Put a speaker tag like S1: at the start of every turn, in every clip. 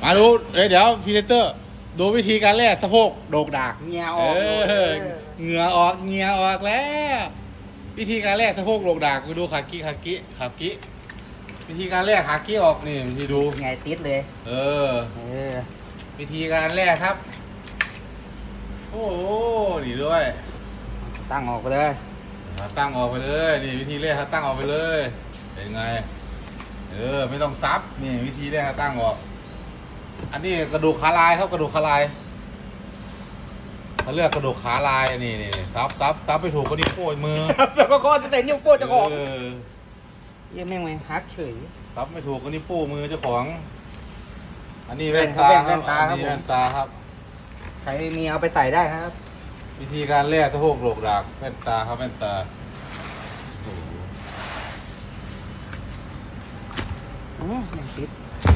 S1: มาดูเดี๋ยวพรีเซนเตอร์ดูวิธีการแล่สะโพกโดกดาก
S2: เหงื่อออก
S1: เหงื่อออกเหงื่อออกแล้ววิธีการแล่สะโพกโดกดากไปดูขากิวิธีการแล่ขากิออกนี่วิธีดู
S2: ไงติดเลย
S1: เออ
S2: เออ
S1: วิธีการแล่ครับโอ้โหนี่ด้วย
S2: ตั้งออกไปเลย
S1: ตั้งออกไปเลยนี่วิธีแล่ครับตั้งออกไปเลยเป็นไงไม่ต้องซับนี่วิธีแล่ตั้งออกอันนี้กระดูกขาลายครับกระดูกขาลายเขาเรียกกระดูกขาลายนี่ซับไปถูกก็นิ้วโป้ยมือ
S2: แล้วก็จะเต็นนิ้วโป้เจ้าของ
S1: อ
S2: ยังแม่งไม่ฮักเฉย
S1: ซับไม่ถูกก็นิ้วโป้มือเจ้าของอันนี้แว่นตา
S2: แว่นตาครับ
S1: อันนี้แว่นตาครับ
S2: ใครมีเอาไปใส่ได้ครับ
S1: วิธีการแล่สะโพกโหลกดากแว่นตาครับแว่นตาโอ้โห
S2: ยังติด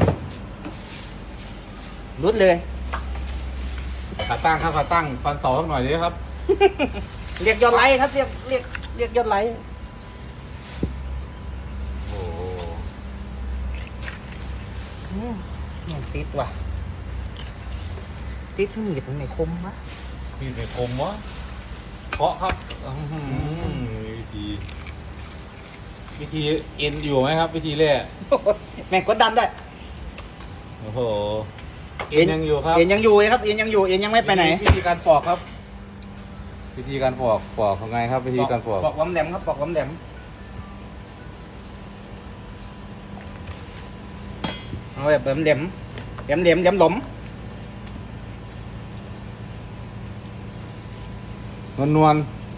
S2: รุดเลย
S1: ขาตั้งครับขาตั้งฟันเสาสักหน่อยดีครับ
S2: เรียกยอดไลค์ครับเรียกยอดไลค์
S1: โอ้โห
S2: ยังติดว่ะติดที่มีดมันไม่คมวะ
S1: นี่เป็นคมวะเคาะครับวิธีเอ็นอยู่ไหมครับ วิธีแล่
S2: แม่งกดดันได้
S1: โอ้โหเอ็นยังอยู่ครับ
S2: เอ็นยังอยู่ครับเอ็นยังอยู่เอ็นยังไม่ไปไหน
S1: วิธีการปอกครับ วิธีการปอกยังไงครับ วิธีการปอก
S2: ปอกล้อมแหลมครับปอกล้อมแหลมเอาแบบแหลมหลม
S1: นวล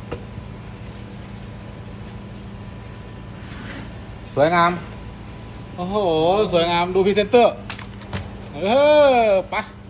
S1: สวยงาม โอ้โห สวยงาม ดูพรีเซนเตอร์ ไป